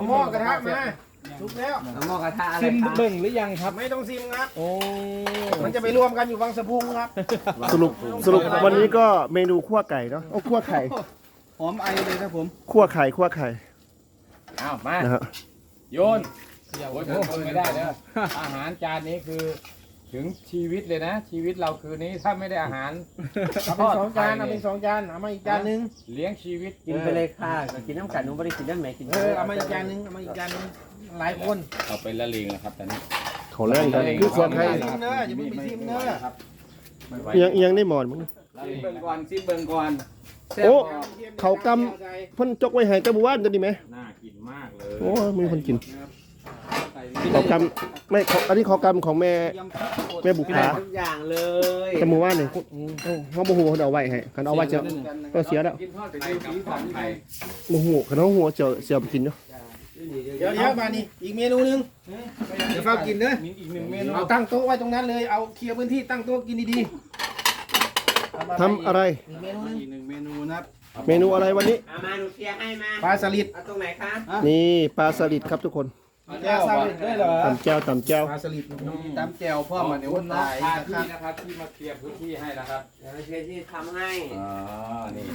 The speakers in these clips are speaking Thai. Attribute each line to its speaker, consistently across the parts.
Speaker 1: หม้อกระทะมาทุกแล้วหม้อกระทะอะไร
Speaker 2: ซิมเบิ่งหรือยังครับ
Speaker 1: ไม่ต้องซิมครับ
Speaker 2: โอ้
Speaker 1: มันจะไปรวมกันอยู่วังสะพุงครับ
Speaker 3: สรุปวันนี้ก็เมนูคั่วไก่เนาะโอ้คั่วไข่
Speaker 1: หอมไอเลยครับผม
Speaker 3: คั่วไข่
Speaker 2: อ้าวมา
Speaker 3: นะฮะ
Speaker 2: โยนโอ้ยทนไม่ได้แล้วอาหารจานนี้คือถึงชีวิตเลยนะ ชีวิตเราคืนนี้ถ้าไม่ได้อาหาร
Speaker 1: เอาเป็น2 จานเอาเป็น2 จานเอามาอีกจานนึง
Speaker 2: เลี้ยงชีวิต
Speaker 4: กินไปเลยค่ะกินน้ำกันหนูไม่ได้กินน้ำแม่กิน
Speaker 1: เอามาอีกจานนึงเอามาอีกจานนึงหลายคน
Speaker 2: เอาไปละเลงแล้วครับตอนนี้
Speaker 3: เขาแรงกันคือคั่วไข่
Speaker 1: ซิมเนอะอย่าเพิ่งไปซิมเนอะ
Speaker 3: เอียงได้หมอนมึง
Speaker 2: ซิมเบิ่งก่อนซิมเบิ่งก่อน
Speaker 3: โอ้เขากำเพ่นจกไว้ให้เจ้าบัวจะดีไหม
Speaker 2: น่ากินมากเลย
Speaker 3: โอ้มีคนกินเขากำไม่เขาอันนี้เขากำของแม่บุ
Speaker 4: กิน
Speaker 3: ภา
Speaker 4: ทุกอย่างเลย
Speaker 3: แต่หมู่ว่านเนี่ยเขาบ่ฮู้เขาเอาไว้ให้คันเอาไว้จะก็เสียแล้ว
Speaker 2: กินทอดไปดูสีสันไทย
Speaker 3: บ่ฮู้คันเขาหัวเสียไปกินเนาะ
Speaker 1: เดี๋ยวมานี่อีกเมนูนึงเดี๋ยวเฝ้ากินเนอะ
Speaker 2: มีอีกหนึ่งเมนู
Speaker 1: เอาตั้งโต๊ะไว้ตรงนั้นเลยเอาเคลียร์พื้นที่ตั้งโต๊ะกินดีๆ
Speaker 3: ทำอะไร
Speaker 1: อีกเมนูนึง
Speaker 4: อีกหนึ่งเมนูนะครับ
Speaker 3: เมนูอะไรวันนี้
Speaker 4: เอามาหนูเคลียร์ให้มา
Speaker 1: ปลาสลิด
Speaker 4: เอาตรงไหนคะ
Speaker 3: นี่ปลาสลิดครับทุกคน
Speaker 1: ปลาสลิดด้วยเหรอ
Speaker 3: ตำแก้ว
Speaker 1: ปลาสลิด
Speaker 4: ตำแจ่วพ่อมาเดี๋ยว
Speaker 2: คุ
Speaker 4: วุ่
Speaker 2: ณ
Speaker 4: น
Speaker 2: น้อง
Speaker 4: วาย
Speaker 2: พา
Speaker 4: นะค
Speaker 2: ที่
Speaker 4: รับ
Speaker 2: นะครับที่มาเคลียร์พื้นที่ให้นะครับ
Speaker 4: เดี๋ยวเชฟที่ทำให้
Speaker 2: อ๋อนี่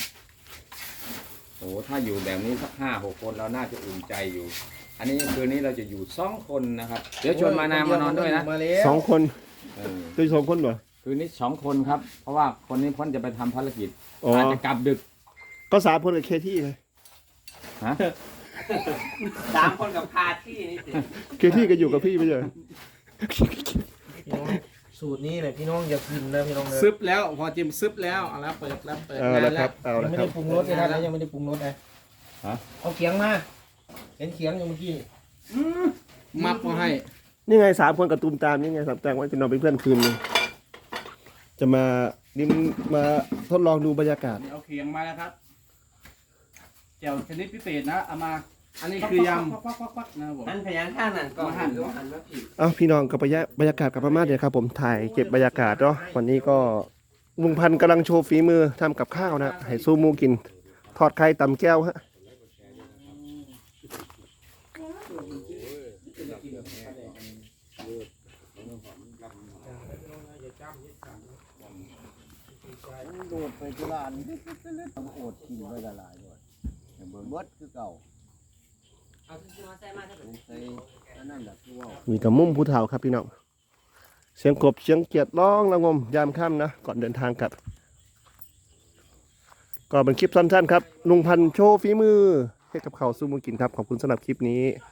Speaker 2: โอ้ถ้าอยู่แบบนี้สัก5-6 คนเราน่าจะอุ่นใจอยู่ อันนี้คืนนี้เราจะอยู่2 คนนะครับ เดี๋ยวชวนมานามานอนด้วยนะ
Speaker 3: สองคน
Speaker 2: เออ
Speaker 3: ตัวสองคนเหรอ
Speaker 2: คืนนี้2 คนครับ เพราะว่าคนนี้พ้นจะไปทำภารกิจ
Speaker 3: อ๋อ
Speaker 2: อาจจะกลับดึก
Speaker 3: ก็สามคนกับเคที่ไง
Speaker 2: ฮะ
Speaker 4: 3 คนกับพาที่นี่สิ
Speaker 3: เคที่ก็อยู่กับพี่ไม่ใช่เหรอ
Speaker 1: พี่น้องสูตรนี้เลยพี่น้องอย่ากินนะพี่น้องเลย
Speaker 4: ซึบแล้วพอจิ้มซึบแล้วเอาแล้วเปิดแล้วเปิด
Speaker 3: เอาละครับเอา
Speaker 1: ยัง
Speaker 3: ละ
Speaker 1: ไม่
Speaker 3: ครั
Speaker 1: ได้
Speaker 3: บ
Speaker 1: ปรุงรสเลยนะยังไม่ได้ปรุงรสเลย
Speaker 2: ฮะ
Speaker 1: เอาเขียงมาเห็นเขียงอยู่เมื่อกี้
Speaker 4: มับมาให้
Speaker 3: นี่ไงสามคนกับตูมตามนี่ไงสามแตงไว้จะนอนเป็นเพื่อนคืนนึงจะมานี่มาทดลองดูบรรยากาศ
Speaker 4: เอาเขียงมาแล้วครับแจ่วชนิดพิเศษนะเอามาอันนี้คือยำนะครับผม
Speaker 5: อันพยานท่านั่นก็
Speaker 4: มาหั่น
Speaker 5: หันมาผิด
Speaker 3: เอาพี่น้องกับบรรยากาศกับประมาณเดียวครับผมถ่ายเก็บบรรยากาศเนาะวันนี้ก็ลุงพันธุ์กำลังโชว์ฝีมือทำกับข้าวนะให้สู้หมูกิน ทอดไข่ตำแก้วฮะมีกับมุมผู้เฒ่าครับพี่น้องเสียงกบเสียงเกียดร้องระงมยามค่ำนะก่อนเดินทางกลับก็เป็นคลิปสั้นๆครับลุงพันธุ์โชว์ฝีมือให้กับเขาวสู้หมูกินครับขอบคุณสำหรับคลิปนี้